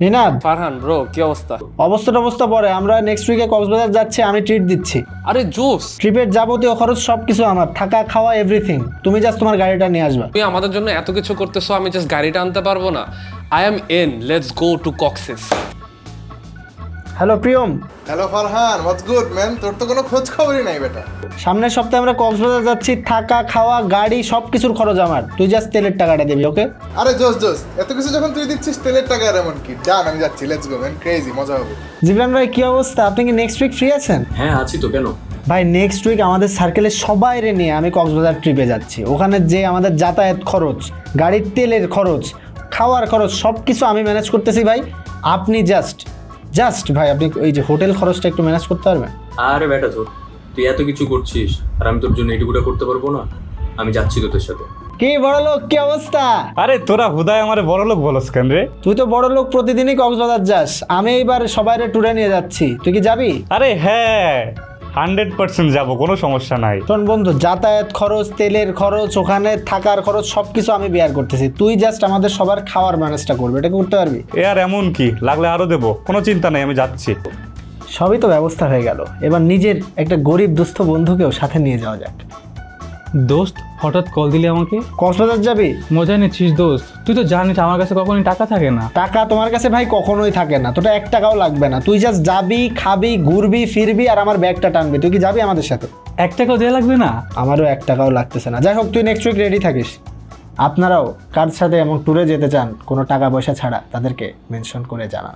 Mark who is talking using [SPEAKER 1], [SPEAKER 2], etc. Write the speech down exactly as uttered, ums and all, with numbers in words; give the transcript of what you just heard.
[SPEAKER 1] নিনাদ,
[SPEAKER 2] Farhan bro, কি অবস্থা?
[SPEAKER 1] অবস্থাটা অবস্থা পরে, আমরা নেক্সট উইকে কক্সবাজার যাচ্ছি, আমি ট্রিট দিচ্ছি।
[SPEAKER 2] আরে জোস,
[SPEAKER 1] ট্রিপের যাবতীয় খরচ সবকিছু আমার, থাকা খাওয়া এভরিথিং। তুমি জাস্ট তোমার গাড়িটা নিয়ে আসবা।
[SPEAKER 2] তুমি আমাদের জন্য এত কিছু করতেছো, আমি জাস্ট গাড়িটা আনতে পারবো না? I am in, let's go to Cox's.
[SPEAKER 1] Hello Priyam,
[SPEAKER 3] hello Farhan, what's good man? তোর তো কোনো খোঁজ খবরই নাই বেটা।
[SPEAKER 1] সামনের সপ্তাহে আমরা কক্সবাজার যাচ্ছি, থাকা খাওয়া গাড়ি সব কিছুর খরচ আমার, তুই জাস্ট তেলের টাকাটা দিবি, ওকে?
[SPEAKER 3] আরে জোস জোস, এত কিছু যখন তুই দিচ্ছিস তেলের টাকা আর এমন কি? ডান, আমি যাচ্ছি, লেটস গো ম্যান, ক্রেজি, মজা হবে।
[SPEAKER 1] জিবরান ভাই কি অবস্থা? আপনি কি নেক্সট উইক ফ্রি আছেন?
[SPEAKER 4] হ্যাঁ আছি তো, কেন?
[SPEAKER 1] ভাই নেক্সট উইক আমাদের সার্কেলের সবাইরে নিয়ে আমি কক্সবাজার ট্রিপে যাচ্ছি। ওখানে যে আমাদের যাতায়াত খরচ, গাড়ির তেলের খরচ, খাওয়ার খরচ সব কিছু আমি ম্যানেজ করতেছি ভাই। আপনি জাস্ট জাস্ট ভাই আপনি ওই যে হোটেল খরচটা একটু ম্যানেজ করতে পারবেন?
[SPEAKER 4] আরে বেটা তোর, তুই এত কিছু করছিস আর আমি তোর জন্য এটুকুটা করতে পারবো না? আমি যাচ্ছি তোদের সাথে।
[SPEAKER 1] কি বড় লোক, কি অবস্থা?
[SPEAKER 5] আরে তোরা হুদায় আমার বড় লোক বলস কেন রে?
[SPEAKER 1] তুই তো বড় লোক, প্রতিদিনই কক্সবাজার যাস, আমি এইবার সবাইরে ট্যুরে নিয়ে যাচ্ছি, তুই কি যাবি?
[SPEAKER 5] আরে হ্যাঁ, হান্ড্রেড পার্সেন্ট যাবো, কোনো সমস্যা নাই।
[SPEAKER 1] শোন বন্ধু, যাতায়াত খরচ, তেলের খরচ, ওখানে থাকার খরচ সব কিছু আমি বেয়ার করতেছি, তুই জাস্ট আমাদের সবার খাওয়ার ম্যানেজটা করবি, এটা করতে পারবি?
[SPEAKER 5] এ আর এমন কি, লাগলে আরো দেবো, কোনো চিন্তা নেই, আমি যাচ্ছি।
[SPEAKER 1] সবই তো ব্যবস্থা হয়ে গেল, এবার নিজের একটা গরিব দুস্থ বন্ধুকেও সাথে নিয়ে যাওয়া যাক।
[SPEAKER 6] দোস্ত, হঠাৎ কল দিলি আমাকে?
[SPEAKER 1] কক্সবাজার যাবি?
[SPEAKER 6] মজা নিচ্ছিস দোস্ত? তুই তো জানিস আমার কাছে কখনোই টাকা থাকে না।
[SPEAKER 1] টাকা তোমার কাছে ভাই কখনোই থাকে না, তোটা এক টাকাও লাগবে না, তুই জাস্ট যাবি, খাবি, ঘুরবি, ফিরবি আর আমার ব্যাগটা টানবি। তুই কি যাবি আমাদের সাথে?
[SPEAKER 6] এক টাকাও দেওয়া লাগবে না?
[SPEAKER 1] আমারও এক টাকাও লাগতেছে না। যাই হোক, তুই নেক্সট উইক রেডি থাকিস। আপনারাও কার সাথে এমন ট্যুরে যেতে চান কোনো টাকা পয়সা ছাড়া, তাদেরকে মেনশন করে জানান।